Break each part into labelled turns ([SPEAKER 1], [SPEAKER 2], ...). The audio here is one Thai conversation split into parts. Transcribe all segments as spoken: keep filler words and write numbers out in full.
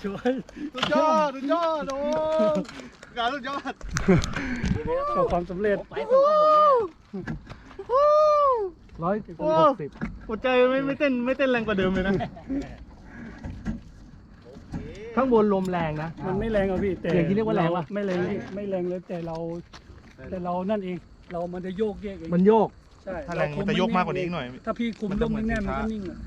[SPEAKER 1] ช่วย
[SPEAKER 2] สุดยอดสุดยอดโอ้งานสุดยอด
[SPEAKER 1] ประสบความสำเร็จ
[SPEAKER 3] ไปส่งกับผมเนี่ย
[SPEAKER 1] ร้อยหกสิบ
[SPEAKER 2] หัวใจไม่ไม่เต้นไม่เต้นแรงกว่าเดิมเลยนะ
[SPEAKER 4] ข้างบนลมแรงนะ
[SPEAKER 1] มันไม่แรงอ่ะพี่แต่
[SPEAKER 4] อย่างที่เรียกว่าแรงวะ
[SPEAKER 1] ไม่แรงพี่ไม่แรงเลยแต่เราแต่เรานั่นเองเรามันจะโยกแยกเอง
[SPEAKER 4] มันโยก
[SPEAKER 1] ใช่
[SPEAKER 2] ถ้าแรงมันจะยกมากกว่านี้อีกหน่อย
[SPEAKER 1] ถ้าพี่คุมลมแน่นๆมันก็นิ่งอ่ะ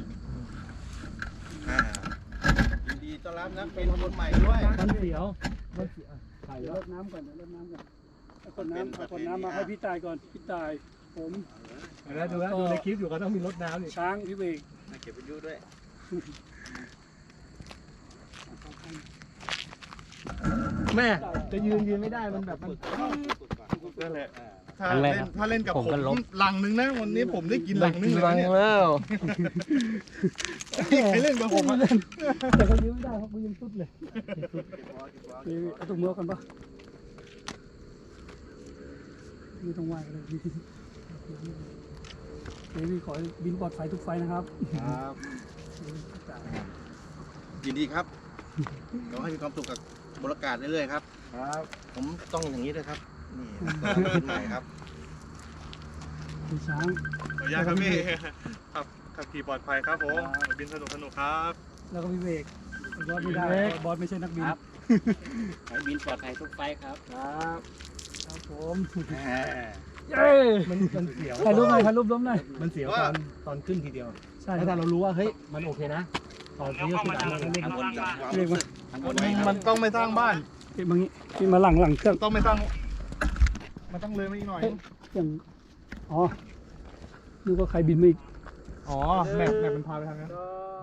[SPEAKER 2] ยินดีต้อนรับนะเป็นคนใหม่ด้วย
[SPEAKER 4] มันเสียวมันเสียวถ่าย
[SPEAKER 1] เดี๋ยว
[SPEAKER 4] แล้
[SPEAKER 1] ร
[SPEAKER 4] ว
[SPEAKER 1] ดน้ำก่อนเดี๋ยวรดน้ำก่อนเอาคนน้ำเอาคนน้ำมาให้พี่ตายก่อนพี่ตายผม
[SPEAKER 4] แล้วดูแล้วดูในคลิปอยู่ก็ต้องมีรถน้ำนี่
[SPEAKER 1] ช้างพี่เวก
[SPEAKER 2] เก็บไปยูด้วย
[SPEAKER 4] แม่จะยืนยืนไม่ได้มันแบบมัน
[SPEAKER 2] นั่นแหละถ้าเล่นถ้าเล่นกับผมหลังนึงนะวันนี้ผมได้กินหลังนึงเลยเนี่ย
[SPEAKER 4] แล้ว
[SPEAKER 2] ใครเล่นกับผมอ่ะ
[SPEAKER 1] แต่เขายืนไม่ได้เขายืนสุดเลยพี่เอาตุ้มมือกันปะไม่ต้องไหวเลยพี่พี่ขอให้บินปลอดภัยทุกไฟนะครับ
[SPEAKER 2] ครับยินดีครับขอให้มีความสุขกับบรรยากาศเรื่อยๆครับครับผมต้องอย่างนี้ด้วยครับนี่เป็นใหม่ครับ
[SPEAKER 1] พี่ช้าง
[SPEAKER 5] ขออนุญาตครับพี่ขับขับขี่ปลอดภัยครับผมบินสนุกสนุกครับ
[SPEAKER 1] แล้วก็พี่เวกบอสไม่ได้บอสไม่ใช่นักบิน
[SPEAKER 3] ให้บินปลอดภัยทุกไฟครับ
[SPEAKER 4] ครับ
[SPEAKER 1] ครับผม
[SPEAKER 4] เย้มันมันเสียว
[SPEAKER 1] ถ่ายรูปหน่อยถ่ายรูปล้มหน่อย
[SPEAKER 4] มันเสียวตอนตอนขึ้นทีเดียว
[SPEAKER 1] ใช่
[SPEAKER 4] แล้วถ้าเรารู้ว่าเฮ้ยมันโอเคนะตอนนี้ก็คือเราเล่น
[SPEAKER 3] ข้างบน
[SPEAKER 1] เรียกมา
[SPEAKER 3] ข้างบน
[SPEAKER 2] มันต้องไม่สร้างบ้าน
[SPEAKER 1] พี่มางี้พี่มาหลังหลังเครื่อง
[SPEAKER 2] ต้องไม่สร้าง มันต้องเลยมาอีกหน่อย
[SPEAKER 1] อย่างอ๋อนึกว่าใครบินไม่อีก
[SPEAKER 4] อ๋อแมปแมปมันพาไปทางนั้น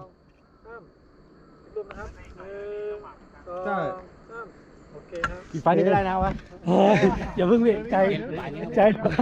[SPEAKER 2] ใช่
[SPEAKER 4] อีกไฟนี้ก็ได้นะวะ
[SPEAKER 1] อย่าเพิ่งเวกใจใจ